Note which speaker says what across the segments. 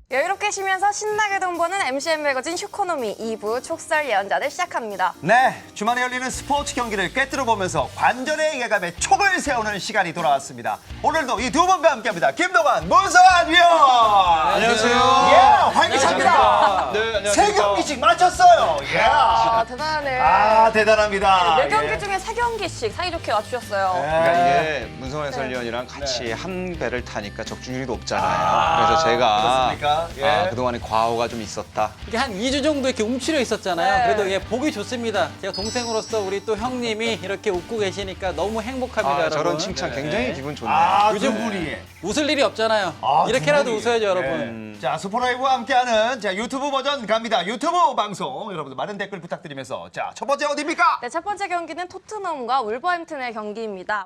Speaker 1: 여유롭게 쉬면서 신나게 돈 버는 MCN 매거진 슈코노미 2부 촉설 예언자들 시작합니다.
Speaker 2: 네, 주말에 열리는 스포츠 경기를 꿰뚫어 보면서 관절의 예감에 촉을 세우는 시간이 돌아왔습니다. 오늘도 이 두 분과 함께합니다. 김동완, 문성환 위원.
Speaker 3: 안녕하세요.
Speaker 2: 예, 활기차입니다.
Speaker 3: 네, 안녕하세요.
Speaker 2: 세 경기씩 맞췄어요. 예.
Speaker 1: 아, 대단하네.
Speaker 2: 아, 대단합니다.
Speaker 1: 네 경기
Speaker 2: 예.
Speaker 1: 중에 3경기씩 사이좋게 맞추셨어요.
Speaker 3: 그러니까 이게 문성환 해설위원이랑 같이 한 배를 타니까 적중률이 높잖아요. 그래서 제가
Speaker 2: 그렇습니까? 예.
Speaker 3: 그동안에 과오가 좀 있었다.
Speaker 4: 이게 한 2주 정도 이렇게 움츠려 있었잖아요.
Speaker 1: 네.
Speaker 4: 그래도 예, 보기 좋습니다. 제가 동생으로서 우리 또 형님이 이렇게 웃고 계시니까 너무 행복합니다, 여러분.
Speaker 3: 저런 칭찬 굉장히 기분 좋네요.
Speaker 2: 아,
Speaker 4: 요즘
Speaker 2: 두 분이.
Speaker 4: 웃을 일이 없잖아요.
Speaker 2: 아,
Speaker 4: 이렇게라도
Speaker 2: 두 분이.
Speaker 4: 웃어야죠, 여러분.
Speaker 2: 자, 스포라이브와 함께하는 자 유튜브 버전 갑니다. 유튜브 방송 여러분들 많은 댓글 부탁드리면서 자, 첫 번째 어디입니까?
Speaker 1: 네, 첫 번째 경기는 토트넘과 울버햄튼의 경기입니다.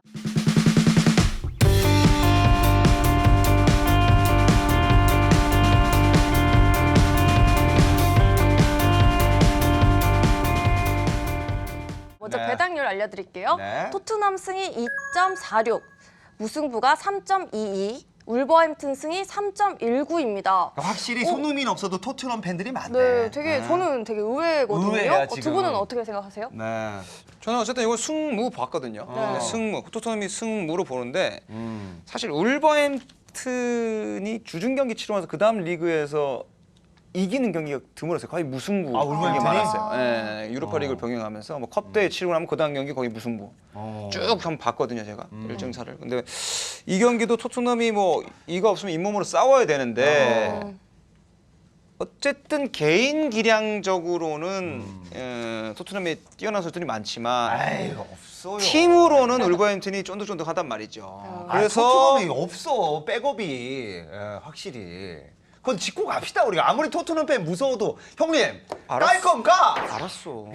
Speaker 1: 먼저
Speaker 2: 네.
Speaker 1: 배당률 알려드릴게요.
Speaker 2: 네.
Speaker 1: 토트넘 승이 2.46, 무승부가 3.22, 울버햄튼 승이 3.19입니다.
Speaker 2: 확실히 손흥민 없어도 토트넘 팬들이 많네.
Speaker 1: 네, 저는 되게 의외거든요.
Speaker 2: 의외야,
Speaker 1: 두
Speaker 2: 지금.
Speaker 1: 분은 어떻게 생각하세요?
Speaker 2: 네.
Speaker 3: 저는 어쨌든 이거 승무 봤거든요.
Speaker 1: 네.
Speaker 3: 승무, 토트넘이 승무로 보는데 사실 울버햄튼이 주중 경기 치르면서 그 다음 리그에서 이기는 경기가 드물었어요. 거의 무승부
Speaker 2: 아,
Speaker 3: 경기
Speaker 2: 울버햄튼이?
Speaker 3: 많았어요. 예, 유로파 리그를 병행하면서 뭐 컵대회 치르고 나면 그 다음 경기 거의 무승부. 쭉 한번 봤거든요, 제가 일정차를. 근데 이 경기도 토트넘이 뭐 이거 없으면 잇몸으로 싸워야 되는데 어쨌든 개인 기량적으로는 토트넘이 뛰어난 선수들이 많지만
Speaker 2: 아이, 없어요.
Speaker 3: 팀으로는 울버햄튼이 쫀득쫀득하단 말이죠.
Speaker 2: 그래서 토트넘이 없어. 백업이 예, 확실히. 그건 짚고 갑시다 우리가. 아무리 토트넘 팬 무서워도 형님 깔 건가?
Speaker 3: 알았어.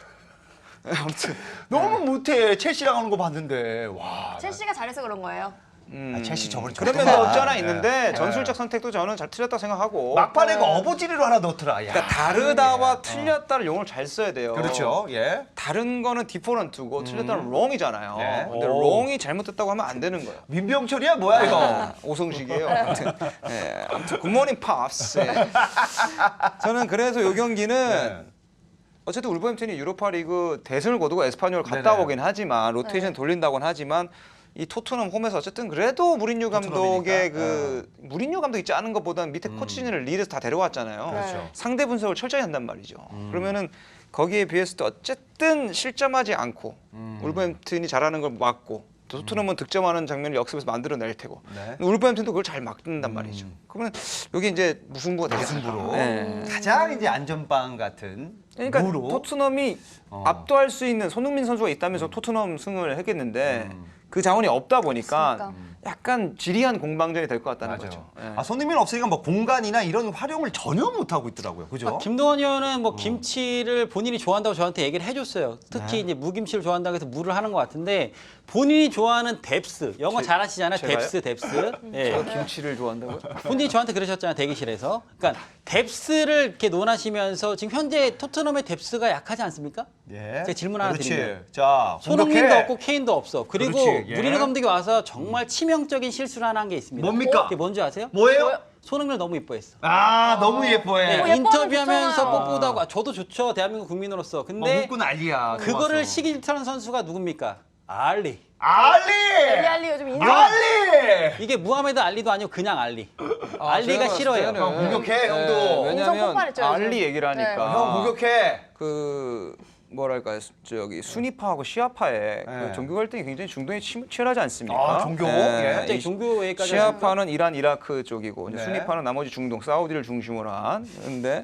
Speaker 3: 아무튼
Speaker 2: 너무 못해. 첼시랑 하는 거 봤는데 와.
Speaker 1: 첼시가 잘해서 그런 거예요.
Speaker 2: 첼시 저번에
Speaker 3: 그런
Speaker 2: 좋더라.
Speaker 3: 면도 없지 않아
Speaker 2: 예.
Speaker 3: 있는데
Speaker 2: 예.
Speaker 3: 전술적 선택도 저는 잘 틀렸다고 생각하고
Speaker 2: 막판에 그 어버지리로 하나 넣더라. 야.
Speaker 3: 그러니까 다르다와 틀렸다를 용어를 잘 써야 돼요.
Speaker 2: 그렇죠. 예.
Speaker 3: 다른 거는 디퍼런트고 틀렸다는 롱이잖아요.
Speaker 2: 네.
Speaker 3: 근데
Speaker 2: 오.
Speaker 3: 롱이 잘못됐다고 하면 안 되는 거예요.
Speaker 2: 민병철이야 뭐야 이거?
Speaker 3: 오성식이에요. 아무튼 굿모닝 팝스. 저는 그래서 이 경기는
Speaker 2: 네.
Speaker 3: 어쨌든 울버햄튼이 유로파리그 대승을 거두고 에스파뇰을 갔다
Speaker 2: 네네.
Speaker 3: 오긴 하지만 로테이션 돌린다고는 하지만 이 토트넘 홈에서 어쨌든 그래도 무린유 감독의
Speaker 2: 토트넘이니까.
Speaker 3: 무린유 감독 있지 않은 것보다는 밑에 코치진을 리드에서 다 데려왔잖아요.
Speaker 2: 그렇죠.
Speaker 3: 상대 분석을 철저히 한단 말이죠. 그러면은 거기에 비해서도 어쨌든 실점하지 않고 울버햄튼이 잘하는 걸 막고 토트넘은 득점하는 장면을 역습에서 만들어낼 테고
Speaker 2: 네.
Speaker 3: 울버햄튼도 그걸 잘 막는단 말이죠. 그러면 여기 이제 무승부가 되겠습니다.
Speaker 2: 무승부로.
Speaker 3: 네.
Speaker 2: 가장 이제 안전빵 같은
Speaker 3: 그러니까
Speaker 2: 무로.
Speaker 3: 토트넘이 압도할 수 있는 손흥민 선수가 있다면서 토트넘 승을 했겠는데 그 자원이 없다 보니까
Speaker 1: 없으니까.
Speaker 3: 약간 지리한 공방전이 될 것 같다는
Speaker 2: 맞아요.
Speaker 3: 거죠. 예.
Speaker 2: 아, 손흥민 없으니까 뭐 공간이나 이런 활용을 전혀 못 하고 있더라고요. 그죠?
Speaker 4: 김동원 의원은 뭐 김치를 본인이 좋아한다고 저한테 얘기를 해줬어요. 특히
Speaker 2: 네.
Speaker 4: 이제 무김치를 좋아한다고 해서 무를 하는 것 같은데 본인이 좋아하는 뎁스, 영어 잘하시잖아요.
Speaker 3: 제가요?
Speaker 4: 뎁스. 예.
Speaker 3: 제가 김치를 좋아한다고요?
Speaker 4: 본인이 저한테 그러셨잖아요, 대기실에서. 그러니까 뎁스를 이렇게 논하시면서 지금 현재 토트넘의 뎁스가 약하지 않습니까?
Speaker 2: 예.
Speaker 4: 제가 질문 하나
Speaker 2: 그렇지.
Speaker 4: 드리면.
Speaker 2: 자,
Speaker 4: 손흥민도
Speaker 2: 공격해.
Speaker 4: 없고 케인도 없어. 그리고
Speaker 2: 그렇지, 예.
Speaker 4: 무리뉴 감독이 와서 정말 치명적인 실수를 하나 한 게 있습니다.
Speaker 2: 뭡니까?
Speaker 4: 그게 뭔지 아세요?
Speaker 2: 뭐예요?
Speaker 4: 손흥민을 너무 이뻐했어.
Speaker 2: 아, 너무 예뻐해.
Speaker 4: 네,
Speaker 1: 예뻐하면
Speaker 4: 인터뷰하면서
Speaker 1: 좋잖아요.
Speaker 4: 뽀뽀도 하고 저도 좋죠. 대한민국 국민으로서. 근데
Speaker 2: 웃고 난리야.
Speaker 4: 그거를
Speaker 2: 좋아서.
Speaker 4: 시기질투하는 선수가 누굽니까? 알리.
Speaker 2: 알리!
Speaker 1: 리알리 요즘 인생
Speaker 2: 알리!
Speaker 4: 이게 무하메드 알리도 아니고 그냥 알리. 알리가
Speaker 3: 제가
Speaker 4: 싫어해요.
Speaker 3: 봤을 때는
Speaker 2: 형, 공격해, 형도.
Speaker 1: 인성
Speaker 3: 왜냐면
Speaker 1: 폭발했죠, 요즘.
Speaker 3: 알리 얘기를 하니까
Speaker 1: 네.
Speaker 2: 형 공격해.
Speaker 3: 그 뭐랄까 저기 순위파하고 시아파의
Speaker 2: 네.
Speaker 3: 그 종교 갈등이 굉장히 중동에 치열하지 않습니까?
Speaker 2: 아, 종교? 예.
Speaker 4: 갑자기
Speaker 3: 이
Speaker 4: 종교 얘기까지
Speaker 3: 시아파는 이란, 이라크 쪽이고 이제
Speaker 2: 네.
Speaker 3: 순위파는 나머지 중동, 사우디를 중심으로 한. 근데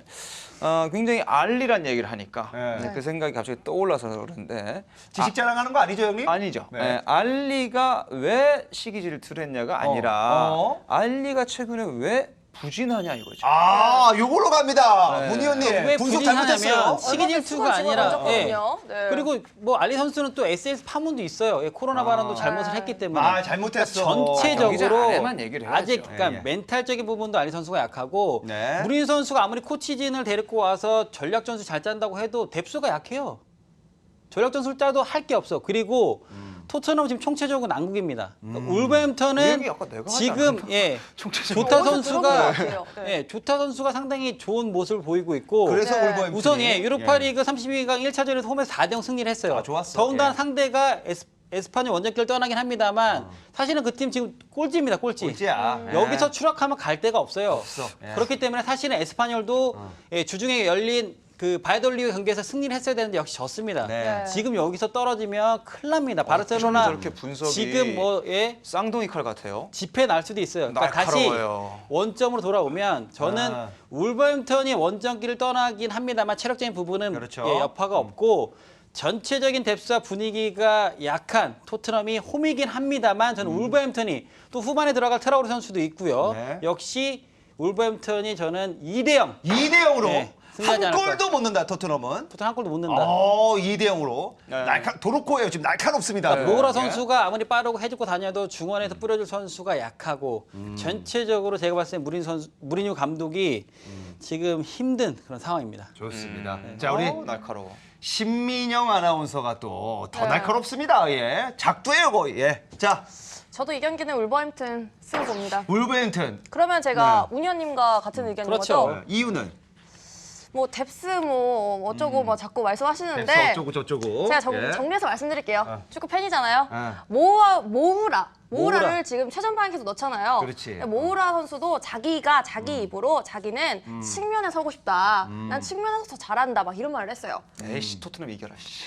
Speaker 3: 굉장히 알리란 얘기를 하니까
Speaker 2: 네.
Speaker 3: 이제 그 생각이 갑자기 떠올라서 그런데
Speaker 2: 지식 자랑하는 거 아니죠, 형님?
Speaker 3: 아니죠.
Speaker 2: 네.
Speaker 3: 예, 알리가 왜 시기 질투를 했냐가 아니라
Speaker 2: 어.
Speaker 3: 알리가 최근에 왜 부진하냐 이거죠.
Speaker 2: 아, 요걸로 갑니다.
Speaker 3: 네.
Speaker 2: 문희 형님.
Speaker 4: 왜
Speaker 2: 분석 잘못했어요.
Speaker 4: 부진하냐면 시기질투가
Speaker 1: 얼마 전에
Speaker 4: 아니라
Speaker 1: 수건 집어던졌거든요. 네.
Speaker 4: 그리고 뭐 알리 선수는 또 SS 파문도 있어요. 예, 코로나 발언도 잘못을 했기 때문에
Speaker 2: 아, 잘못했어.
Speaker 3: 경기장
Speaker 4: 전체적으로
Speaker 3: 안에만 얘기를 해야죠.
Speaker 4: 아직 그러니까
Speaker 2: 예, 예.
Speaker 4: 멘탈적인 부분도 알리 선수가 약하고
Speaker 2: 네.
Speaker 4: 무린 선수가 아무리 코치진을 데리고 와서 전략 전술 잘 짠다고 해도 뎁스가 약해요. 전력전 숫자도 할 게 없어. 그리고 토트넘 지금 총체적으로 난국입니다. 그러니까 울버햄턴은
Speaker 3: 그 얘기 아까 내가 하지
Speaker 4: 지금
Speaker 3: 않았나?
Speaker 4: 예,
Speaker 3: 총체적으로.
Speaker 4: 조타
Speaker 1: 어디서
Speaker 4: 선수가
Speaker 1: 들어본 것 같아요. 네.
Speaker 4: 예, 조타 선수가 상당히 좋은 모습을 보이고 있고
Speaker 2: 그래서
Speaker 1: 네.
Speaker 2: 울버햄튼이
Speaker 4: 우선 예, 유로파리그 32강 1차전에서 홈에서 4대0 승리를 했어요.
Speaker 2: 아, 좋았어.
Speaker 4: 더군다나
Speaker 2: 예.
Speaker 4: 상대가 에스파뇰 원정길을 떠나긴 합니다만 사실은 그 팀 지금 꼴찌입니다. 꼴찌.
Speaker 2: 꼴찌야. 예.
Speaker 4: 여기서 추락하면 갈 데가 없어요.
Speaker 2: 없어. 예.
Speaker 4: 그렇기 때문에 사실은 에스파뇰도 예, 주중에 열린 그 바이돌리그 경기에서 승리를 했어야 되는데 역시 졌습니다.
Speaker 2: 네.
Speaker 4: 지금 여기서 떨어지면 큰일 납니다.
Speaker 3: 어쩜
Speaker 4: 바르셀로나
Speaker 3: 저렇게 분석이
Speaker 4: 지금 뭐 예,
Speaker 3: 쌍둥이 칼 같아요.
Speaker 4: 집회 날 수도 있어요. 그러니까 다시
Speaker 3: 날카로워요.
Speaker 4: 원점으로 돌아오면 저는
Speaker 2: 아.
Speaker 4: 울버햄턴이 원정길을 떠나긴 합니다만 체력적인 부분은
Speaker 2: 그렇죠.
Speaker 4: 예, 여파가 없고 전체적인 뎁스와 분위기가 약한 토트넘이 홈이긴 합니다만 저는 울버햄턴이 또 후반에 들어갈 트라우르 선수도 있고요.
Speaker 2: 네.
Speaker 4: 역시 울버햄턴이 저는 2대0
Speaker 2: 2대 0으로
Speaker 4: 네, 승리하지
Speaker 2: 한
Speaker 4: 않을
Speaker 2: 골도 못 넣는다 토트넘은.
Speaker 4: 토트넘 한 골도 못 넣는다.
Speaker 2: 2대 0으로.
Speaker 3: 네.
Speaker 2: 도로코예요. 지금 날카롭습니다.
Speaker 4: 모우라
Speaker 2: 예.
Speaker 4: 선수가 아무리 빠르고 해주고 다녀도 중원에서 뿌려줄 선수가 약하고 전체적으로 제가 봤을 때 무리뉴 감독이 지금 힘든 그런 상황입니다.
Speaker 2: 좋습니다. 자, 우리
Speaker 3: 날카로워.
Speaker 2: 신민영 아나운서가 또 더
Speaker 1: 네.
Speaker 2: 날카롭습니다. 예. 작두예요, 거의. 예. 자,
Speaker 1: 저도 이 경기는 울버햄튼 승 봅니다.
Speaker 2: 울버햄튼.
Speaker 1: 그러면 제가 운현님과 같은 의견인
Speaker 4: 그렇죠.
Speaker 1: 거죠?
Speaker 2: 이유는
Speaker 1: 뭐 뎁스 뭐 어쩌고 뭐 자꾸 말씀하시는데
Speaker 2: 뎁스 어쩌고 저쩌고.
Speaker 1: 제가
Speaker 2: 예.
Speaker 1: 정리해서 말씀드릴게요. 축구 팬이잖아요.
Speaker 2: 어.
Speaker 1: 모우라를
Speaker 4: 모우라.
Speaker 1: 지금 최전방에 계속 넣잖아요.
Speaker 2: 그렇지.
Speaker 1: 모우라 선수도 자기가 자기 입으로 자기는 측면에 서고 싶다. 난 측면에서 더 잘한다. 막 이런 말을 했어요.
Speaker 3: 에이씨 토트넘 이겨라. 씨.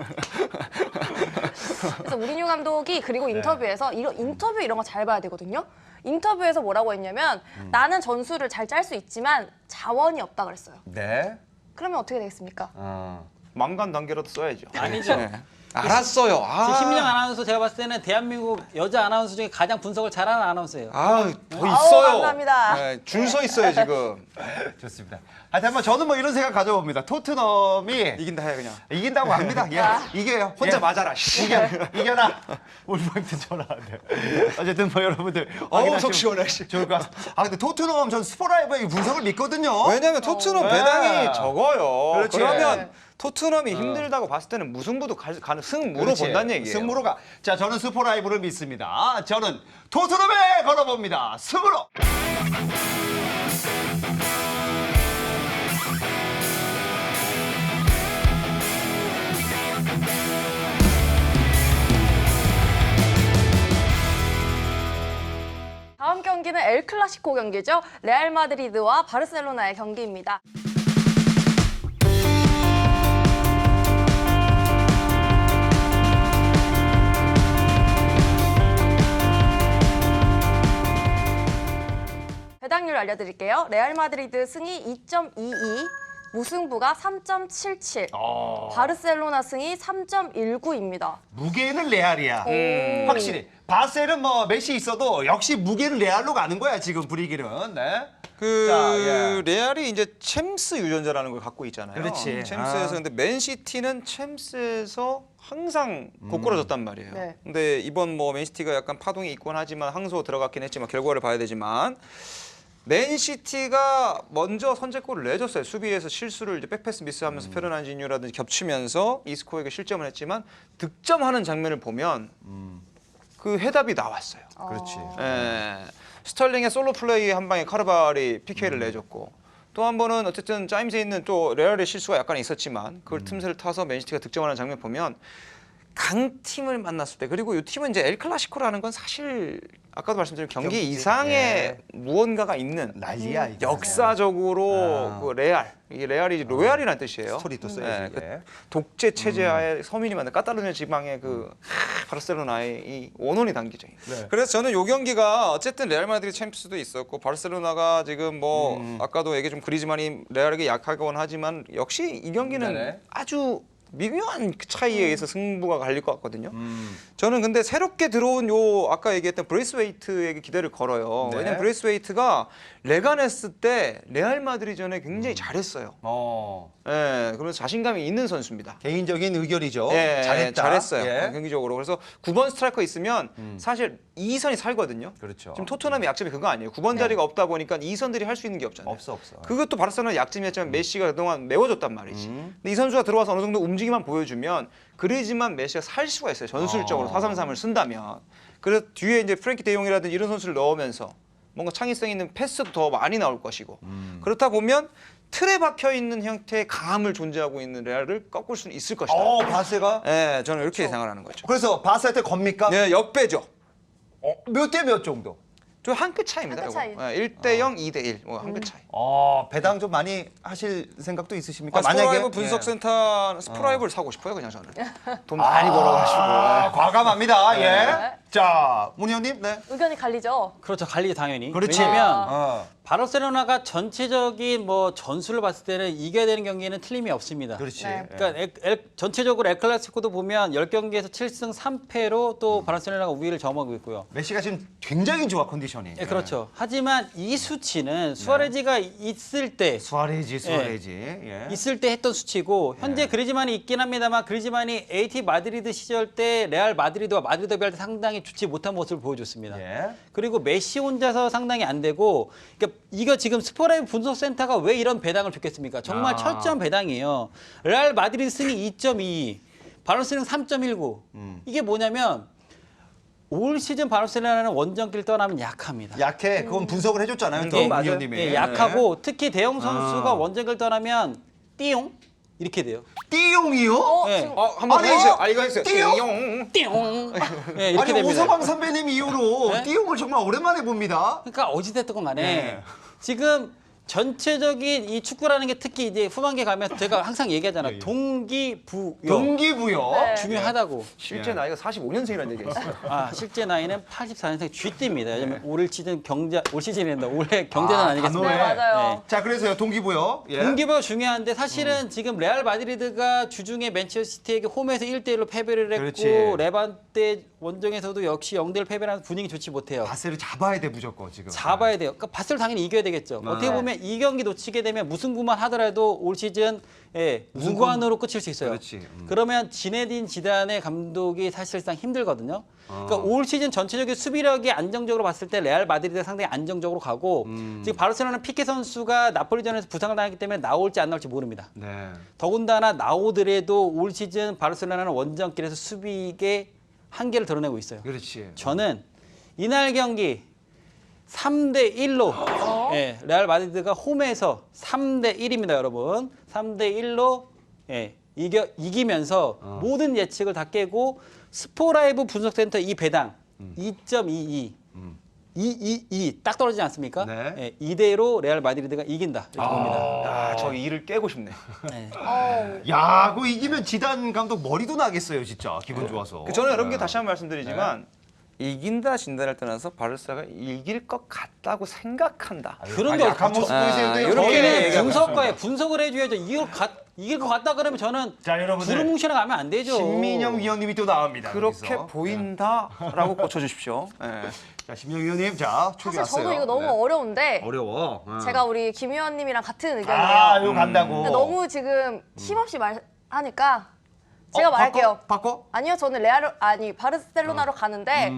Speaker 1: 그래서 우리뉴 감독이 그리고 인터뷰에서 인터뷰 이런 거 잘 봐야 되거든요. 인터뷰에서 뭐라고 했냐면 나는 전술을 잘 짤 수 있지만 자원이 없다 그랬어요.
Speaker 2: 네.
Speaker 1: 그러면 어떻게 되겠습니까?
Speaker 3: 망간 단계라도 써야죠.
Speaker 4: 아니죠.
Speaker 3: 네. 알았어요.
Speaker 4: 지금 신민영 아나운서 제가 봤을 때는 대한민국 여자 아나운서 중에 가장 분석을 잘하는 아나운서예요.
Speaker 3: 더 있어요.
Speaker 1: 감사합니다.
Speaker 3: 네, 줄 서 있어요 지금.
Speaker 2: 좋습니다. 하여튼 한번 저는 뭐 이런 생각 가져봅니다. 토트넘이
Speaker 3: 이긴다 해 그냥.
Speaker 2: 이긴다고 합니다. 예. 이겨요.
Speaker 3: 혼자
Speaker 2: 예.
Speaker 3: 맞아라. 씨.
Speaker 2: 이겨라. 울버햄튼 전화하는데. 어쨌든 뭐 여러분들
Speaker 3: 어우,
Speaker 2: 확인하시면
Speaker 3: 속 시원해, 씨.
Speaker 2: 좋을 것 같습니다. 아 근데 토트넘 전 스포라이브의 분석을 믿거든요.
Speaker 3: 왜냐면 토트넘
Speaker 2: 네.
Speaker 3: 배당이 적어요.
Speaker 2: 그렇지.
Speaker 3: 그러면 토트넘이 힘들다고 봤을 때는 무승부도 가는 승무로
Speaker 2: 그렇지.
Speaker 3: 본다는 얘기예요.
Speaker 2: 승부로 가. 자, 저는 스포라이브를 믿습니다. 저는 토트넘에 걸어봅니다. 승으로.
Speaker 1: 다음 경기는 엘 클라시코 경기죠. 레알 마드리드와 바르셀로나의 경기입니다. 배당률 알려드릴게요. 레알 마드리드 승이 2.22, 무승부가 3.77, 바르셀로나 승이 3.19입니다.
Speaker 2: 무게는 레알이야. 확실히. 바셀은 뭐 메시 있어도 역시 무게는 레알로 가는 거야, 지금 분위기는. 네.
Speaker 3: 그
Speaker 2: 자, 예.
Speaker 3: 레알이 이제 챔스 유전자라는 걸 갖고 있잖아요.
Speaker 2: 그렇지.
Speaker 3: 챔스에서 근데 맨시티는 챔스에서 항상 고꾸라졌단 말이에요.
Speaker 1: 네.
Speaker 3: 근데 이번 뭐 맨시티가 약간 파동이 있곤 하지만 항소 들어갔긴 했지만 결과를 봐야 되지만 맨시티가 먼저 선제골을 내줬어요. 수비에서 실수를 이제 백패스 미스하면서 페르난지뉴라든지 겹치면서 이스코에게 실점을 했지만 득점하는 장면을 보면 그 해답이 나왔어요.
Speaker 2: 그렇지.
Speaker 3: 예. 스털링의 솔로 플레이 한 방에 카르발이 PK를 내줬고 또 한 번은 어쨌든 짜임새 있는 또 레알의 실수가 약간 있었지만 그걸 틈새를 타서 맨시티가 득점하는 장면 보면 강팀을 만났을 때 그리고 이 팀은 이제 엘 클라시코라는 건 사실 아까도 말씀드린 경기
Speaker 2: 경기지.
Speaker 3: 이상의
Speaker 2: 예.
Speaker 3: 무언가가 있는
Speaker 2: 난리야, 이거.
Speaker 3: 역사적으로 그 레알 이게 레알이 로얄이라는 뜻이에요.
Speaker 2: 스토리 또 써야지,
Speaker 3: 그
Speaker 2: 이게.
Speaker 3: 독재 체제하에 서민이 만든 까탈루냐 지방의 그 바르셀로나의 이 원혼이 담기죠.
Speaker 2: 네.
Speaker 3: 그래서 저는 요 경기가 어쨌든 레알 마드리드 챔스도 있었고 바르셀로나가 지금 뭐 아까도 얘기 좀 그리즈만이 레알에게 약하곤 하지만 역시 이 경기는
Speaker 2: 네네.
Speaker 3: 아주 미묘한 차이에 의해서 승부가 갈릴 것 같거든요. 저는 근데 새롭게 들어온 요 아까 얘기했던 브레이스웨이트에게 기대를 걸어요.
Speaker 2: 네.
Speaker 3: 왜냐면 브레이스웨이트가 레가네스 때 레알 마드리전에 굉장히 잘했어요. 예, 그러면서 자신감이 있는 선수입니다.
Speaker 2: 개인적인 의견이죠.
Speaker 3: 예,
Speaker 2: 잘했다.
Speaker 3: 잘했어요.
Speaker 2: 예.
Speaker 3: 경기적으로. 그래서 9번 스트라이커 있으면 사실 2선이 살거든요.
Speaker 2: 그렇죠.
Speaker 3: 지금 토트넘의 약점이 그거 아니에요. 9번 자리가 없다 보니까 2선들이 할 수 있는 게 없잖아요.
Speaker 2: 없어.
Speaker 3: 그것도 바르셀로나 약점이었지만 메시가 그동안 메워줬단 말이지. 근데 이 선수가 들어와서 어느 정도 움직임 움직임만 보여주면 그리즈만 메시가 살 수가 있어요. 전술적으로 4-3-3을 쓴다면. 그래서 뒤에 이제 프랭키 데용이라든지 이런 선수를 넣으면서 뭔가 창의성 있는 패스도 더 많이 나올 것이고 그렇다 보면 틀에 박혀 있는 형태의 강함을 존재하고 있는 레알을 꺾을 수는 있을 것이다.
Speaker 2: 바세가?
Speaker 3: 네, 저는 이렇게 예상을 하는 거죠.
Speaker 2: 그래서 바세한테 겁니까?
Speaker 3: 네, 역배죠.
Speaker 2: 몇 대 몇 정도?
Speaker 3: 저 한 끗 차이입니다.
Speaker 1: 한끗 차이.
Speaker 3: 이거. 1대0, 2대1, 뭐 한 끗 차이.
Speaker 2: 배당 좀 많이 하실 생각도 있으십니까?
Speaker 3: 스포라이브
Speaker 2: 예.
Speaker 3: 분석센터 스포라이브를 사고 싶어요, 그냥 저는. 돈 많이 벌어가지고.
Speaker 2: 과감합니다. 예.
Speaker 1: 네.
Speaker 2: 자, 문희 형님, 네.
Speaker 1: 의견이 갈리죠.
Speaker 4: 그렇죠. 갈리죠, 당연히.
Speaker 2: 그렇지.
Speaker 4: 왜냐면
Speaker 2: 어.
Speaker 4: 바르셀로나가 전체적인 뭐 전술을 봤을 때는 이겨야 되는 경기에는 틀림이 없습니다.
Speaker 2: 그렇지.
Speaker 1: 네.
Speaker 4: 그러니까 전체적으로 엘클라시코도 보면 10경기에서 7승 3패로 또 바르셀로나가 우위를 점하고 있고요.
Speaker 2: 메시가 지금 굉장히 좋아 컨디션이.
Speaker 4: 예, 그렇죠. 하지만 이 수치는 수아레즈가 있을 때
Speaker 2: 수아레지. 예.
Speaker 4: 있을 때 했던 수치고 현재 그리즈만이 있긴 합니다만 그리즈만이 AT 마드리드 시절 때 레알 마드리드와 마드리드 더비 할 때 상당히 좋지 못한 모습을 보여줬습니다.
Speaker 2: 예.
Speaker 4: 그리고 메시 혼자서 상당히 안 되고 그러니까 이거 지금 스포라이브 분석센터가 왜 이런 배당을 줬겠습니까? 정말 철저한 배당이에요. 레알 마드리드 승이 2.22, 바르셀로나 3.19. 이게 뭐냐면 올 시즌 바르셀로나는 원정길 떠나면 약합니다.
Speaker 2: 약해. 그건 분석을 해줬잖아요. 또
Speaker 3: 예,
Speaker 2: 문희
Speaker 3: 맞아요.
Speaker 2: 형님이.
Speaker 4: 예, 약하고 특히 대형 선수가 원정길 떠나면 띠용 이렇게 돼요.
Speaker 2: 띠용이요?
Speaker 4: 예.
Speaker 1: 지금
Speaker 3: 한번
Speaker 2: 아니,
Speaker 3: 해주세요. 아, 이거 해주세요.
Speaker 2: 띠용?
Speaker 4: 띠용. 예, 이렇게
Speaker 2: 아니
Speaker 4: 됩니다.
Speaker 2: 오서방 선배님 이후로
Speaker 4: 네?
Speaker 2: 띠용을 정말 오랜만에 봅니다.
Speaker 4: 그러니까 어찌됐든 간에
Speaker 2: 네.
Speaker 4: 지금 전체적인 이 축구라는 게 특히 이제 후반기에 가면 제가 항상 얘기하잖아요. 동기부여
Speaker 2: 동기부여.
Speaker 1: 네.
Speaker 4: 중요하다고.
Speaker 3: 실제 나이가 45년생이라는 얘기가 있어요.
Speaker 4: 아, 실제 나이는 84년생 쥐띠입니다. 왜냐면 올 시즌 올 시즌인다. 올해 경제는 아니겠습니까?
Speaker 2: 단호해.
Speaker 1: 네, 맞아요.
Speaker 2: 자 그래서요 동기부여. 예.
Speaker 4: 동기부여 중요한데 사실은 지금 레알 마드리드가 주중에 맨체스터시티에게 홈에서 1대1로 패배를 했고
Speaker 2: 그렇지.
Speaker 4: 레반테 원정에서도 역시 0대1 패배를 하면서 분위기 좋지 못해요.
Speaker 2: 바세를 잡아야 돼 무조건 지금.
Speaker 4: 잡아야 돼요. 그러니까 바스를 당연히 이겨야 되겠죠. 어떻게 보면 이 경기 놓치게 되면 무승부만 하더라도 올 시즌 무관으로 끝일 수 있어요.
Speaker 2: 그렇지.
Speaker 4: 그러면 지네딘 지단의 감독이 사실상 힘들거든요. 그러니까 올 시즌 전체적인 수비력이 안정적으로 봤을 때 레알 마드리드가 상당히 안정적으로 가고 지금 바르셀로나는 피케 선수가 나폴리전에서 부상을 당했기 때문에 나올지 안 나올지 모릅니다.
Speaker 2: 네.
Speaker 4: 더군다나 나오더라도 올 시즌 바르셀로나는 원정길에서 수비의 한계를 드러내고 있어요.
Speaker 2: 그렇지.
Speaker 4: 저는 이날 경기 3대 1로 예, 레알 마드리드가 홈에서 3대 1입니다, 여러분. 3대 1로 예, 이기면서 모든 예측을 다 깨고 스포라이브 분석센터 이 배당 2.22 2 딱 떨어지지 않습니까?
Speaker 2: 네.
Speaker 4: 예, 이대로 레알 마드리드가 이긴다 이렇게 봅니다.
Speaker 3: 아, 저 일을 깨고 싶네요.
Speaker 4: 예.
Speaker 2: 야, 그거 이기면 지단 감독 머리도 나겠어요, 진짜. 기분 좋아서.
Speaker 3: 저는 여러분께 다시 한번 말씀드리지만 이긴다 진다를 떠나서 바르사가 이길 것 같다고 생각한다.
Speaker 4: 그런 게
Speaker 2: 약한
Speaker 4: 어떻게
Speaker 2: 모습
Speaker 3: 아,
Speaker 2: 보이세요? 또
Speaker 3: 이렇게
Speaker 4: 저희는
Speaker 3: 얘기하고
Speaker 4: 분석가에 분석을 해줘야죠. 이길 것 같다 그러면 저는
Speaker 2: 자, 여러분들.
Speaker 4: 두루뭉실에 가면 안 되죠.
Speaker 2: 신민영 위원님이 또 나옵니다.
Speaker 3: 그렇게
Speaker 2: 여기서.
Speaker 3: 보인다라고 고쳐주십시오. 예.
Speaker 2: 자, 신민영 위원님, 자, 초기
Speaker 1: 사실
Speaker 2: 왔어요.
Speaker 1: 저도 이거 너무
Speaker 2: 네.
Speaker 1: 어려운데
Speaker 2: 어려워.
Speaker 1: 제가 우리 김 의원님이랑 같은 의견이에요.
Speaker 2: 아, 이거 간다고.
Speaker 1: 근데 너무 지금 힘없이 말하니까 제가 말할게요.
Speaker 2: 바꿔?
Speaker 1: 아니요, 저는 바르셀로나로 가는데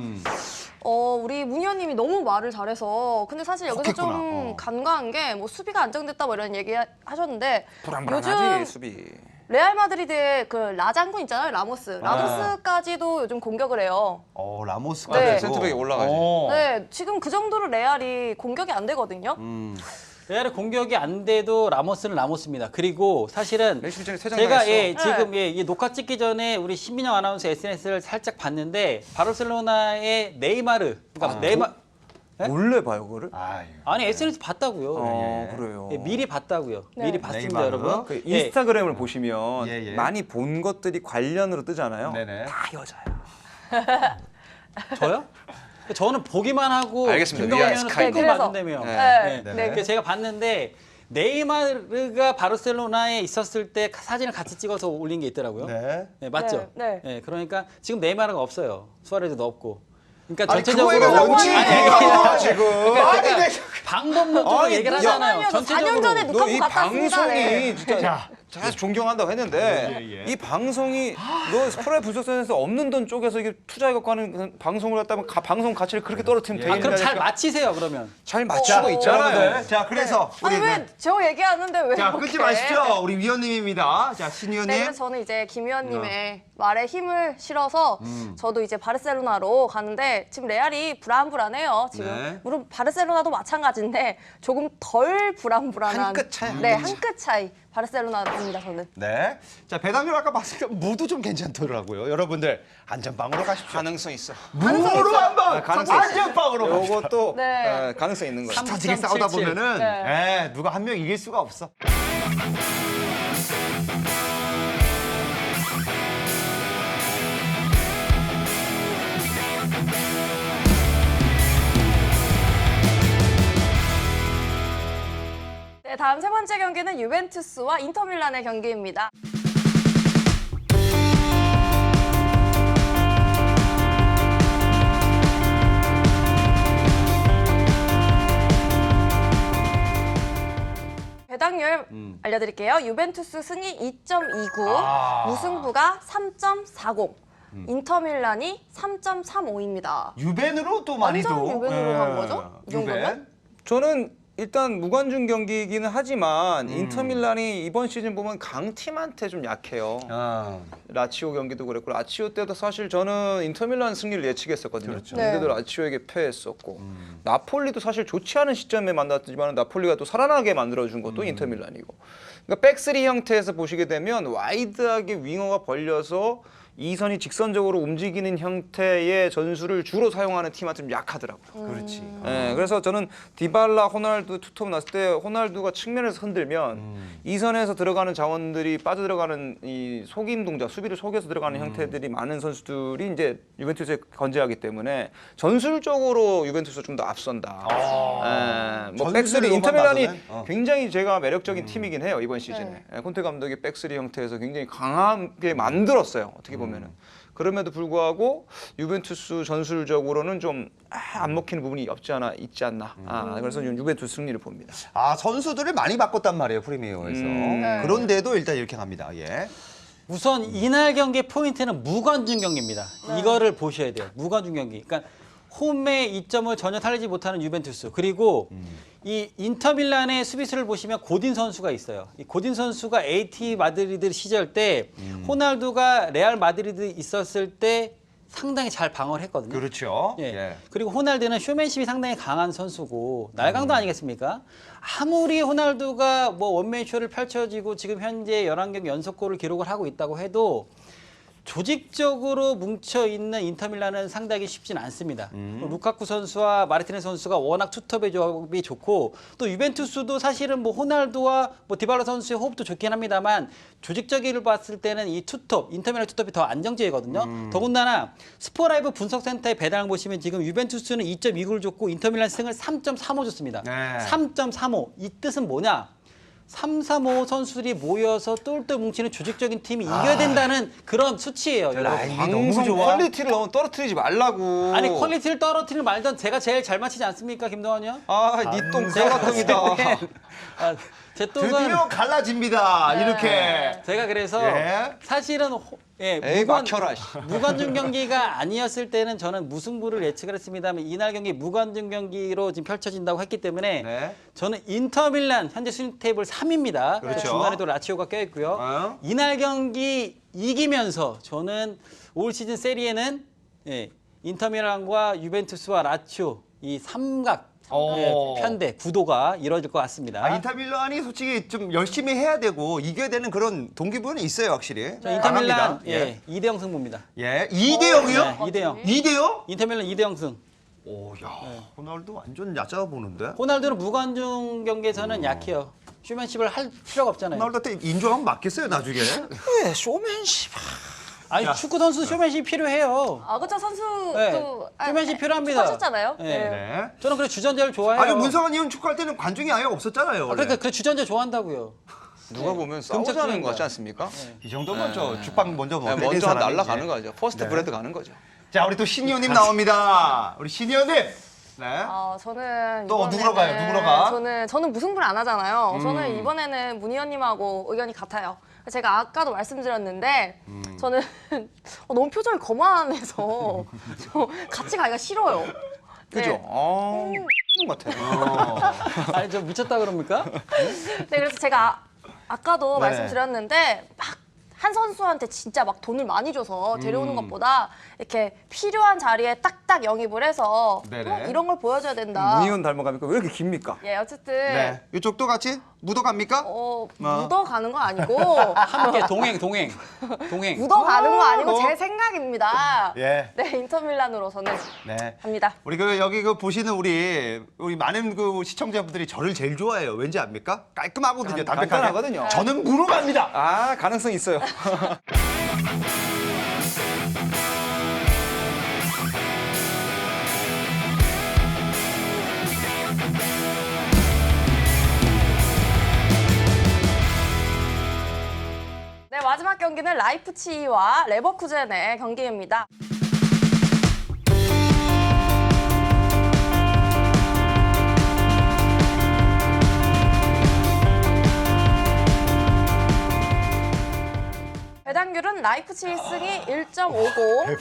Speaker 1: 우리 문 의원님이 너무 말을 잘해서 근데 사실 여기서
Speaker 2: 혹했구나.
Speaker 1: 좀 간과한 게 뭐 수비가 안정됐다 뭐 이런 얘기 하셨는데
Speaker 3: 불안불안하지
Speaker 1: 요즘
Speaker 3: 수비.
Speaker 1: 레알 마드리드의 그 라장군 있잖아요, 라모스까지도 요즘 공격을 해요.
Speaker 2: 라모스가
Speaker 1: 네.
Speaker 3: 센터백에 올라가지.
Speaker 1: 네, 지금 그 정도로 레알이 공격이 안 되거든요.
Speaker 4: 레알의 공격이 안 돼도 라모스는 라모스입니다. 그리고 사실은
Speaker 3: 내 실전에 세
Speaker 4: 제가
Speaker 3: 장당했어.
Speaker 4: 지금 이 녹화 찍기 전에 우리 신민영 아나운서 SNS를 살짝 봤는데 바르셀로나의 네이마르, 그러니까 네?
Speaker 3: 몰래 봐요 그거를?
Speaker 4: 아니 SNS 봤다고요.
Speaker 3: 그래요.
Speaker 4: 예, 미리 봤다고요.
Speaker 1: 네.
Speaker 4: 미리 봤습니다,
Speaker 2: 네이마르.
Speaker 4: 여러분.
Speaker 3: 그
Speaker 4: 예.
Speaker 3: 인스타그램을 보시면
Speaker 2: 예, 예.
Speaker 3: 많이 본 것들이 관련으로 뜨잖아요.
Speaker 2: 네네.
Speaker 3: 다 여자야.
Speaker 4: 저요? 저는 보기만 하고
Speaker 3: 알겠습니다.
Speaker 4: 김동현
Speaker 3: 예,
Speaker 4: 의원은
Speaker 3: 스카이.
Speaker 4: 뜬금
Speaker 1: 그래서.
Speaker 4: 봤는데요.
Speaker 1: 네.
Speaker 2: 네네.
Speaker 4: 그래서 제가 봤는데 네이마르가 바르셀로나에 있었을 때 사진을 같이 찍어서 올린 게 있더라고요.
Speaker 2: 네.
Speaker 4: 네, 맞죠?
Speaker 1: 네, 네.
Speaker 4: 그러니까 지금 네이마르가 없어요. 수아레즈도 없고. 그러니까
Speaker 2: 아니,
Speaker 4: 전체적으로
Speaker 2: 그거에
Speaker 1: 원칙이
Speaker 2: 얘기하는 지금. 아니, 네.
Speaker 4: 방법론적으로
Speaker 3: 아니,
Speaker 4: 얘기를
Speaker 3: 야,
Speaker 4: 하잖아요.
Speaker 1: 잠깐만요. 저 4년 전에
Speaker 3: 너
Speaker 1: 누카고
Speaker 3: 이
Speaker 1: 갔다 왔습니다.
Speaker 3: 방송이
Speaker 1: 네.
Speaker 3: 진짜
Speaker 2: 자,
Speaker 3: 사실 존경한다고 했는데
Speaker 2: 예.
Speaker 3: 이 방송이 너 스프라이 분석선에서 없는 돈 쪼개서 이게 투자해갖고 하는 방송을 갖다면 방송 가치를 그렇게 떨어뜨리면
Speaker 2: 예.
Speaker 3: 되겠냐.
Speaker 4: 그럼 잘 맞히세요 그러면.
Speaker 3: 잘 맞추고 있잖아요.
Speaker 2: 여러분들, 자 그래서
Speaker 1: 아니
Speaker 2: 우리
Speaker 1: 왜 저 얘기하는데 왜
Speaker 2: 자
Speaker 1: 이렇게.
Speaker 2: 끊지 마시죠. 우리 위원님입니다. 자 신위원님.
Speaker 1: 네, 그래서 저는 이제 김 위원님의 말에 힘을 실어서 저도 이제 바르셀로나로 가는데 지금 레알이 불안불안해요. 지금
Speaker 2: 네.
Speaker 1: 물론 바르셀로나도 마찬가지인데 조금 덜 불안불안한
Speaker 3: 한 끗 차이, 한
Speaker 1: 네,
Speaker 3: 끗
Speaker 1: 한 끗 차이. 바르셀로나로 갑니다 저는.
Speaker 2: 네. 자 배당률 아까 봤을 때 무도 좀 괜찮더라고요. 여러분들 안전빵으로 가십시오.
Speaker 3: 가능성 있어.
Speaker 2: 무로 한번
Speaker 3: 가능성 있어.
Speaker 2: 안전빵으로 가십시오.
Speaker 3: 요것도
Speaker 1: 네.
Speaker 3: 가능성 있는 거예요.
Speaker 2: 터지게 싸우다
Speaker 4: 3.77.
Speaker 2: 보면은
Speaker 1: 네.
Speaker 2: 누가 한 명 이길 수가 없어.
Speaker 1: 네, 다음 세 번째 경기는 유벤투스와 인터밀란의 경기입니다. 배당률 알려드릴게요. 유벤투스 승이 2.29, 무승부가 3.40, 인터밀란이 3.35입니다.
Speaker 2: 유벤으로 또 많이
Speaker 1: 완전
Speaker 2: 또
Speaker 1: 유벤으로
Speaker 2: 예.
Speaker 1: 간 거죠? 이 정도면?
Speaker 2: 유벤.
Speaker 3: 저는 일단 무관중 경기이기는 하지만 인터밀란이 이번 시즌 보면 강팀한테 좀 약해요.
Speaker 2: 아.
Speaker 3: 라치오 경기도 그랬고 라치오 때도 사실 저는 인터밀란 승리를 예측했었거든요.
Speaker 2: 그렇죠.
Speaker 1: 네.
Speaker 3: 근데도 라치오에게 패했었고 나폴리도 사실 좋지 않은 시점에 만났지만 나폴리가 또 살아나게 만들어준 것도 인터밀란이고. 그러니까 백스리 형태에서 보시게 되면 와이드하게 윙어가 벌려서 이선이 직선적으로 움직이는 형태의 전술을 주로 사용하는 팀한테 좀 약하더라고요.
Speaker 2: 그렇지.
Speaker 3: 예, 그래서 저는 디발라, 호날두 투톱 났을 때 호날두가 측면에서 흔들면 이선에서 들어가는 자원들이 빠져들어가는 이 속임 동작, 수비를 속여서 들어가는 형태들이 많은 선수들이 이제 유벤투스에 건재하기 때문에 전술적으로 유벤투스가 좀 더 앞선다. 예, 뭐 백스리
Speaker 2: 전술로만
Speaker 3: 인터밀란이
Speaker 2: 봐서는?
Speaker 3: 굉장히 제가 매력적인 팀이긴 해요 이번 시즌에. 예, 콘테 감독이 백스리 형태에서 굉장히 강하게 만들었어요. 어떻게 보면은. 그럼에도 불구하고 유벤투스 전술적으로는 좀 안 먹히는 부분이 없지 않아 있지 않나. 그래서 유벤투스 승리를 봅니다.
Speaker 2: 아 선수들을 많이 바꿨단 말이에요 프리미어에서.
Speaker 1: 네.
Speaker 2: 그런데도 일단 이렇게 갑니다. 예.
Speaker 4: 우선 이날 경기의 포인트는 무관중 경기입니다. 이거를 보셔야 돼요. 무관중 경기. 그러니까 홈의 이점을 전혀 살리지 못하는 유벤투스. 그리고 이 인터밀란의 수비수를 보시면 고딘 선수가 있어요. 이 고딘 선수가 AT 마드리드 시절 때 호날두가 레알 마드리드 있었을 때 상당히 잘 방어를 했거든요.
Speaker 2: 그렇죠.
Speaker 4: 예.
Speaker 2: 예.
Speaker 4: 그리고 호날두는 쇼맨십이 상당히 강한 선수고 날강도 아니겠습니까? 아무리 호날두가 뭐 원맨쇼를 펼쳐지고 지금 현재 11경기 연속골을 기록을 하고 있다고 해도 조직적으로 뭉쳐있는 인터밀란은 상당히 쉽진 않습니다. 루카쿠 선수와 마르티네 선수가 워낙 투톱의 조합이 좋고 또 유벤투스도 사실은 뭐 호날두와 뭐 디발라 선수의 호흡도 좋긴 합니다만 조직적으로 봤을 때는 이 투톱, 인터밀란 투톱이 더 안정적이거든요. 더군다나 스포라이브 분석센터의 배당을 보시면 지금 유벤투스는 2.29를 줬고 인터밀란 승을 3.35 줬습니다.
Speaker 2: 네.
Speaker 4: 3.35. 이 뜻은 뭐냐? 3, 3, 5 선수들이 모여서 똘똘 뭉치는 조직적인 팀이 이겨야 된다는 그런 수치예요. 여러분.
Speaker 2: 라인이
Speaker 3: 방송
Speaker 2: 너무 좋아.
Speaker 3: 퀄리티를 너무 떨어뜨리지 말라고.
Speaker 4: 아니 퀄리티를 떨어뜨리는 말던 제가 제일 잘 맞히지 않습니까, 김동완이요?
Speaker 3: 니똥 사과통이다.
Speaker 4: 아, 제 똥은
Speaker 2: 드디어 갈라집니다. 이렇게.
Speaker 4: 제가 그래서
Speaker 2: 예.
Speaker 4: 사실은
Speaker 3: 에이 막혀라.
Speaker 4: 무관중 경기가 아니었을 때는 저는 무승부를 예측을 했습니다만 이날 경기 무관중 경기로 지금 펼쳐진다고 했기 때문에
Speaker 2: 네.
Speaker 4: 저는 인터밀란 현재 순위 테이블 3위입니다.
Speaker 2: 그렇죠.
Speaker 4: 중간에도 라치오가 껴있고요.
Speaker 2: 어?
Speaker 4: 이날 경기 이기면서 저는 올 시즌 세리에는 인터밀란과 유벤투스와 라치오 이 삼각 편대 구도가 이루어질 것 같습니다.
Speaker 2: 아, 인터밀란이 솔직히 좀 열심히 해야 되고 이겨야 되는 그런 동기부여는 있어요, 확실히.
Speaker 4: 저 인터밀란
Speaker 2: 강합니다. 예.
Speaker 4: 2대0 승부입니다.
Speaker 2: 예. 2대 0이요?
Speaker 4: 네, 2대0.
Speaker 2: 2대 0?
Speaker 4: 인터밀란 2대0 승.
Speaker 2: 오, 야. 호날두 완전 얕아 보는데.
Speaker 4: 호날두는 무관중 경기에서는 약해요. 쇼맨십을 할 필요가 없잖아요.
Speaker 2: 호날두한테 인정하면 맞겠어요, 나중에.
Speaker 3: 왜 쇼맨십?
Speaker 4: 아니 축구 선수 쇼맨십 필요해요.
Speaker 1: 아 그쵸 선수도
Speaker 4: 네. 쇼맨십 필요합니다.
Speaker 1: 하셨잖아요.
Speaker 4: 네.
Speaker 2: 네.
Speaker 4: 저는 그래 주전자를 좋아해요.
Speaker 2: 아니, 문성환 의원 축구할 때는 관중이 아예 없었잖아요, 원래.
Speaker 4: 그러니까 그래 주전자 좋아한다고요.
Speaker 3: 누가 보면 싸우자는 거 같지 않습니까?
Speaker 2: 이 정도면 저 죽방 먼저
Speaker 3: 네,
Speaker 2: 먹는
Speaker 3: 먼저 날아가는 거죠. 퍼스트 브레드 가는 거죠.
Speaker 2: 자, 우리 또 신의원님 나옵니다. 우리 신의원님. 네.
Speaker 1: 저는
Speaker 2: 또
Speaker 1: 이번에는-
Speaker 2: 누구로 가요? 누구로 가?
Speaker 1: 저는 무승부를 안 하잖아요. 저는 이번에는 문 의원님하고 의견이 같아요. 제가 아까도 말씀드렸는데 저는 너무 표정이 거만해서 저 같이 가기가 싫어요.
Speaker 3: 그죠?
Speaker 1: 네.
Speaker 3: 같아.
Speaker 4: 아니 저 미쳤다 그럽니까?
Speaker 1: 네, 그래서 제가 아까도
Speaker 2: 네.
Speaker 1: 말씀드렸는데 막 한 선수한테 진짜 막 돈을 많이 줘서 데려오는 것보다 이렇게 필요한 자리에 딱딱 영입을 해서
Speaker 2: 네네.
Speaker 1: 이런 걸 보여줘야 된다.
Speaker 3: 문희원 닮아가니까 왜 이렇게 깁니까?
Speaker 1: 예, 어쨌든
Speaker 2: 네. 이쪽도 같이 묻어갑니까?
Speaker 1: 묻어가는 건 아니고
Speaker 4: 함께 동행.
Speaker 1: 묻어가는 건 아니고
Speaker 2: 뭐.
Speaker 1: 제 생각입니다.
Speaker 2: 예.
Speaker 1: 네, 인터밀란으로 저는
Speaker 2: 네.
Speaker 1: 갑니다.
Speaker 2: 우리 여기 보시는 우리 많은 시청자분들이 저를 제일 좋아해요. 왠지 압니까? 깔끔하거든요. 담백하게.
Speaker 3: 간단하거든요.
Speaker 2: 저는 무로 갑니다.
Speaker 3: 아, 가능성 있어요.
Speaker 1: 네, 마지막 경기는 라이프치히와 레버쿠젠의 경기입니다. 배당률은 라이프치히 승이 1.50,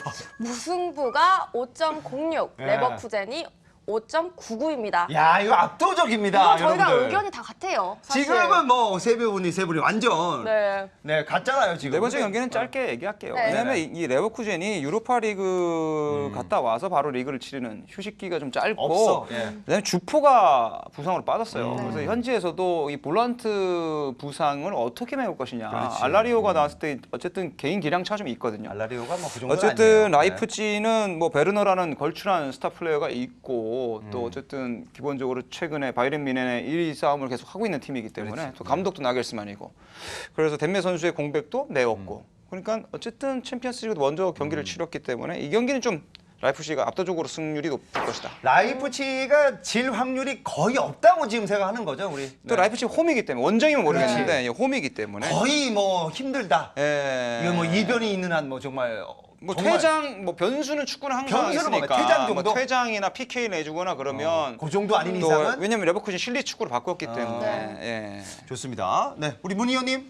Speaker 1: 무승부가 5.06,
Speaker 2: 예.
Speaker 1: 레버쿠젠이 5.99입니다.
Speaker 2: 야, 이거 압도적입니다.
Speaker 1: 이거 저희가
Speaker 2: 여러분들.
Speaker 1: 의견이 다 같아요. 사실.
Speaker 2: 지금은 뭐 세 분이 완전
Speaker 1: 네.
Speaker 2: 갔잖아요 지금.
Speaker 3: 네 번째 경기는 짧게 얘기할게요.
Speaker 1: 네.
Speaker 3: 왜냐면 이 레버쿠젠이 유로파 리그 갔다 와서 바로 리그를 치르는 휴식기가 좀 짧고
Speaker 2: 없어. 예.
Speaker 3: 그다음에 주포가 부상으로 빠졌어요. 그래서 현지에서도 이 볼란트 부상을 어떻게 메울 것이냐.
Speaker 2: 그렇지.
Speaker 3: 알라리오가 나왔을 때 어쨌든 개인 기량 차가 좀 있거든요.
Speaker 2: 알라리오가 뭐 그 정도
Speaker 3: 어쨌든 라이프치히는 뭐 베르너라는 걸출한 스타 플레이어가 있고 또 어쨌든 기본적으로 최근에 바이에른 뮌헨의 1위 싸움을 계속 하고 있는 팀이기 때문에 또 감독도 나겔스만이고 그래서 덴메 선수의 공백도 메웠고 그러니까 어쨌든 챔피언스리그 먼저 경기를 치렀기 때문에 이 경기는 좀 라이프치히가 압도적으로 승률이 높을 것이다.
Speaker 2: 라이프치히가 질 확률이 거의 없다고 지금 생각하는 거죠, 우리.
Speaker 3: 또 라이프치히 홈이기 때문에 원정이면 모르겠는데 홈이기 때문에
Speaker 2: 거의 뭐 힘들다.
Speaker 3: 예.
Speaker 2: 이거 뭐 이변이 있는 한 뭐 정말
Speaker 3: 뭐
Speaker 2: 정말
Speaker 3: 퇴장 뭐 변수는 축구는 항상
Speaker 2: 변수는 뭐
Speaker 3: 있으니까
Speaker 2: 퇴장 정도?
Speaker 3: 뭐 퇴장이나 PK 내주거나 그러면
Speaker 2: 그 정도 아닌
Speaker 3: 또
Speaker 2: 이상은
Speaker 3: 왜냐면 레버쿠젠 실리 축구로 바꿨기 때문에 예.
Speaker 2: 좋습니다. 네, 우리 문 의원님.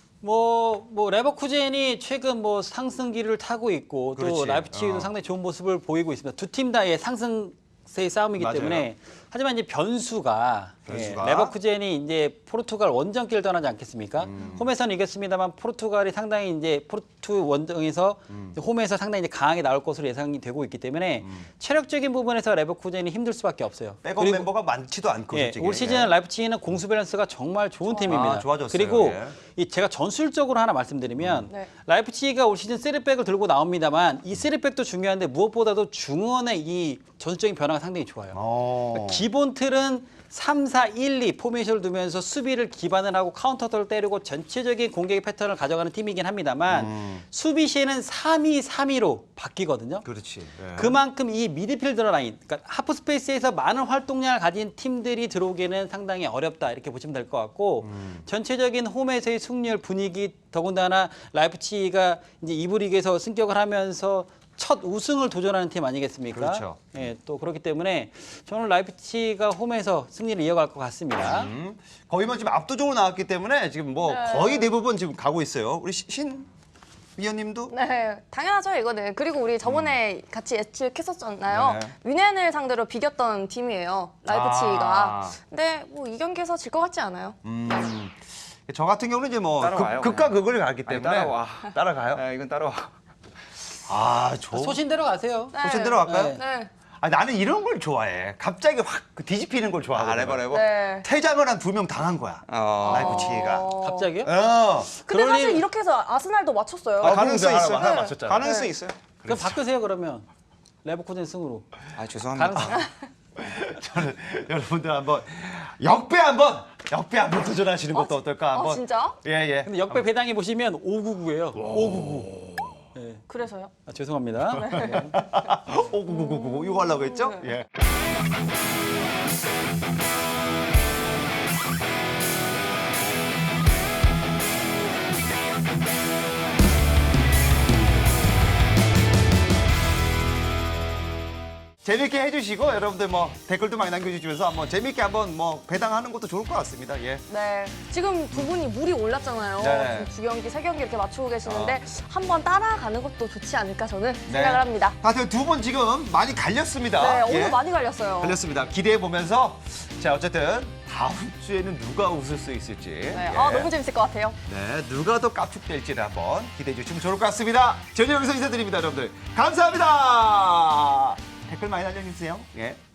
Speaker 4: 뭐 레버쿠젠이 최근 뭐 상승기를 타고 있고 또
Speaker 2: 그렇지.
Speaker 4: 라이프치히도 상당히 좋은 모습을 보이고 있습니다. 두 팀 다의 상승세의 싸움이기
Speaker 2: 맞아요.
Speaker 4: 때문에 하지만 이제 변수가 레버쿠젠이 이제 포르투갈 원정길을 떠나지 않겠습니까? 홈에서는 이겼습니다만 포르투갈이 상당히 이제 포르투 원정에서 홈에서 상당히 이제 강하게 나올 것으로 예상이 되고 있기 때문에 체력적인 부분에서 레버쿠젠이 힘들 수밖에 없어요.
Speaker 2: 백업 멤버가 많지도 않고
Speaker 4: 예,
Speaker 2: 솔직히.
Speaker 4: 올 시즌 라이프치히는 공수 밸런스가 정말 좋은 팀입니다.
Speaker 2: 좋아졌어요.
Speaker 4: 그리고
Speaker 2: 예.
Speaker 4: 이 제가 전술적으로 하나 말씀드리면
Speaker 1: 네.
Speaker 4: 라이프치히가 올 시즌 3백을 들고 나옵니다만 이 3백도 중요한데 무엇보다도 중원의 이 전술적인 변화가 상당히 좋아요. 기본 틀은 3-4-1-2 포메이션을 두면서 수비를 기반을 하고 카운터를 때리고 전체적인 공격의 패턴을 가져가는 팀이긴 합니다만 수비 시에는 3-2-3-2로 바뀌거든요.
Speaker 2: 그렇지. 예.
Speaker 4: 그만큼 이 미드필더 라인, 그러니까 하프 스페이스에서 많은 활동량을 가진 팀들이 들어오기는 상당히 어렵다 이렇게 보시면 될 것 같고 전체적인 홈에서의 승률 분위기 더군다나 라이프치히가 이제 이부 리그에서 승격을 하면서 첫 우승을 도전하는 팀 아니겠습니까?
Speaker 2: 그렇죠.
Speaker 4: 예, 또 그렇기 때문에 저는 라이프치히가 홈에서 승리를 이어갈 것 같습니다.
Speaker 2: 거의 뭐 지금 압도적으로 나왔기 때문에 지금 뭐 거의 대부분 지금 가고 있어요. 우리 신 위원님도
Speaker 1: 네, 당연하죠 이거는. 그리고 우리 저번에 같이 예측했었잖아요.
Speaker 2: 네.
Speaker 1: 뮌헨을 상대로 비겼던 팀이에요, 라이프치히가.
Speaker 2: 아.
Speaker 1: 근데 뭐 이 경기에서 질 것 같지 않아요.
Speaker 2: 저 같은 경우는 이제 뭐
Speaker 3: 따라와요,
Speaker 2: 극과
Speaker 3: 그냥.
Speaker 2: 극을 가기
Speaker 3: 아니,
Speaker 2: 때문에
Speaker 3: 따라와.
Speaker 2: 따라가요.
Speaker 3: 이건 따라와.
Speaker 4: 소신대로 가세요.
Speaker 1: 네.
Speaker 2: 소신대로 갈까요?
Speaker 4: 네.
Speaker 1: 네.
Speaker 2: 나는 이런 걸 좋아해. 갑자기 확 뒤집히는 걸 좋아하거든.
Speaker 3: 레버.
Speaker 1: 네.
Speaker 2: 퇴장을 한 2명 당한 거야. 라이프치히가.
Speaker 4: 갑자기요?
Speaker 1: 근데
Speaker 4: 그럴
Speaker 1: 사실
Speaker 4: 일-
Speaker 1: 이렇게 해서 아스날도 맞췄어요.
Speaker 3: 가능성 있어요.
Speaker 2: 하나 맞췄잖아.
Speaker 3: 가능성
Speaker 1: 네.
Speaker 3: 있어요.
Speaker 4: 그럼 바꾸세요 그러면 레버쿠젠 승으로.
Speaker 3: 아 죄송합니다.
Speaker 4: 가능성.
Speaker 2: 저는 여러분들 한번 역배 한번 도전하시는 것도 어떨까 한번.
Speaker 1: 진짜?
Speaker 2: 예.
Speaker 4: 근데 역배 배당해 보시면 599예요. 599.
Speaker 1: 그래서요?
Speaker 4: 아, 죄송합니다. 네.
Speaker 2: 59999 이거 하려고 했죠? 예. 재밌게 해주시고 여러분들 뭐 댓글도 많이 남겨주시면서 한번 재밌게 한번 뭐 배당하는 것도 좋을 것 같습니다. 예.
Speaker 1: 네. 지금 두 분이 물이 올랐잖아요.
Speaker 2: 네.
Speaker 1: 지금 두 경기, 세 경기 이렇게 맞추고 계시는데 한번 따라가는 것도 좋지 않을까 저는
Speaker 2: 네.
Speaker 1: 생각을 합니다.
Speaker 2: 하여튼 두 분 지금 많이 갈렸습니다.
Speaker 1: 네, 오늘
Speaker 2: 예.
Speaker 1: 많이 갈렸어요.
Speaker 2: 갈렸습니다. 기대해 보면서 자 어쨌든 다음 주에는 누가 웃을 수 있을지.
Speaker 1: 네,
Speaker 2: 예.
Speaker 1: 너무 재밌을 것 같아요.
Speaker 2: 네, 누가 더 깝죽될지를 한번 기대해 주시면 좋을 것 같습니다. 저는 여기서 인사드립니다, 여러분들. 감사합니다. 댓글 많이 남겨주세요. 예.